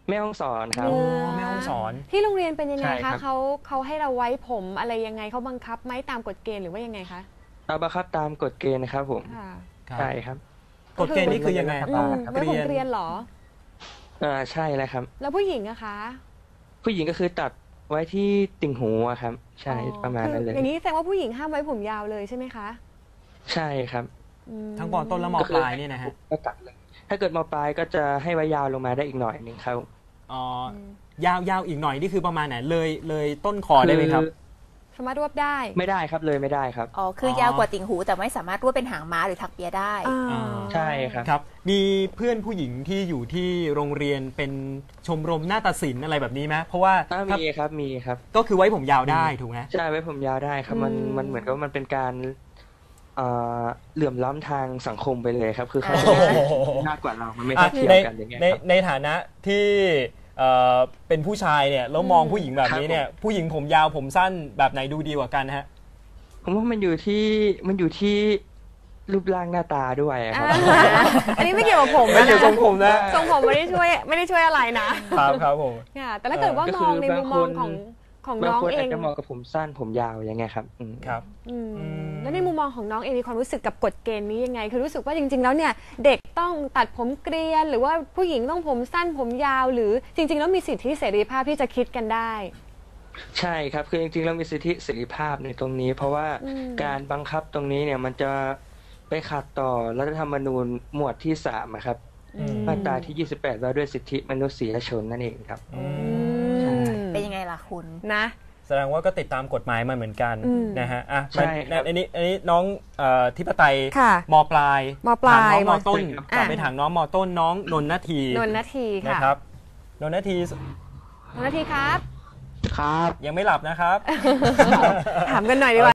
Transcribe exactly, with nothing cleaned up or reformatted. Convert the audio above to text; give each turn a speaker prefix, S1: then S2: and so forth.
S1: แม่ฮ่องสอนครับ
S2: แม่ฮ่องสอน
S3: ที่โรงเรียนเป็นยังไงคะ
S1: เขา
S3: เขาให้เราไว้ผมอะไรยังไงเขาบังคับไหมตามกฎเกณฑ์หรือว่ายังไงคะ
S1: เอาบังคับตามกฎเกณฑ์นะครับผมใช่ครับ
S2: กฎเกณฑ์นี่คือยังไงครับ
S3: ไว้ผมเกรียนหรอ
S1: อ่าใช่แล้วครับ
S3: แล้วผู้หญิงอะคะ
S1: ผู้หญิงก็คือตัดไว้ที่ติ่งหูอะครับใช่ประมาณนั้นเลย
S3: อย่างนี้แสดงว่าผู้หญิงห้ามไว้ผมยาวเลยใช่ไหมคะ
S1: ใช่ครับ
S2: ทั้งม.ต้นและม.ปลายนี่นะฮะ
S1: ก็ตัดเลยถ้าเกิดม.ปลายก็จะให้ไว้ยาวลงมาได้อีกหน่อยนึงครับ
S2: อ๋อยาวยาวอีกหน่อยนี่คือประมาณไหนเลยเลยต้นคอได้ไหมครับ
S3: สามารถรวบได้
S1: ไม่ได้ครับเลยไม่ได้ครับ
S4: อ๋อคือยาวกว่าติ่งหูแต่ไม่สามารถรวบเป็นหางม้าหรือถักเปียได้
S1: ใช่ครับ
S2: ครับมีเพื่อนผู้หญิงที่อยู่ที่โรงเรียนเป็นชมรมนาฏศิลป์อะไรแบบนี้ไหมเพราะว่า
S1: มีครับมีครับ
S2: ก็คือไว้ผมยาวได้ถูกไหม
S1: ใช่ไว้ผมยาวได้ครับมันมันเหมือนกับมันเป็นการเหลื่อมล้ำทางสังคมไปเลยครับคือเขามากกว่าเรามันไม่เท่าเทียมกันอย่างเงี้ยใน
S2: ในฐานะที่เป็นผู้ชายเนี่ยแล้วมองผู้หญิงแบบนี้เนี่ยผู้หญิงผมยาวผมสั้นแบบไหนดูดีกว่ากันฮะ
S1: ผมว่ามันอยู่ที่มันอยู่ที่รูปร่างหน้าตาด้วยครับ
S3: อันนี้ไม่เกี่ยวกับผม
S2: ไม่เกี่ยวกับผมนะ
S3: ทรงผมไม่ได้ช่วยไม่ได้ช่วยอะไรนะครับ
S2: ครับผม
S3: แต่ถ้าเกิดว่ามองในมุมมองของของน้องเอง
S1: จะมองกับผมสั้นผมยาวยังไงครับ
S2: ครับ
S3: แล้วในมุมมองของน้องเองมีความรู้สึกกับกฎเกณฑ์นี้ยังไงคือรู้สึกว่าจริงๆแล้วเนี่ยเด็กต้องตัดผมเกรียนหรือว่าผู้หญิงต้องผมสั้นผมยาวหรือจริงๆแล้วมีสิทธิเสรีภาพที่จะคิดกันได้
S1: ใช่ครับคือจริงๆแล้วมีสิทธิเสรีภาพในตรงนี้เพราะว่าการบังคับตรงนี้เนี่ยมันจะไปขัดต่อรัฐธรรมนูญหมวดที่สามครับมาตราที่ยี่สิบแปดว่าด้วยสิทธิมนุษยชนนั่นเองครับ
S4: เป็นยังไงล่ะคุณ
S3: นะ
S2: แสดงว่าก็ติดตามกฎหมายมาเหมือนกันนะฮะอ่ะใช่ครับอันนี้อันนี้น้องทิพไตยม.ปลาย
S3: ม.ปลาย
S2: น้องม.ต้นกลับไปถามน้องม.ต้นน้องนนนาที
S3: นนนาทีค่ะ
S2: นะครับนนนาที
S3: นนนาทีครับ
S1: ครับ
S2: ยังไม่หลับนะครับ
S3: ถามกันหน่อยดีกว่า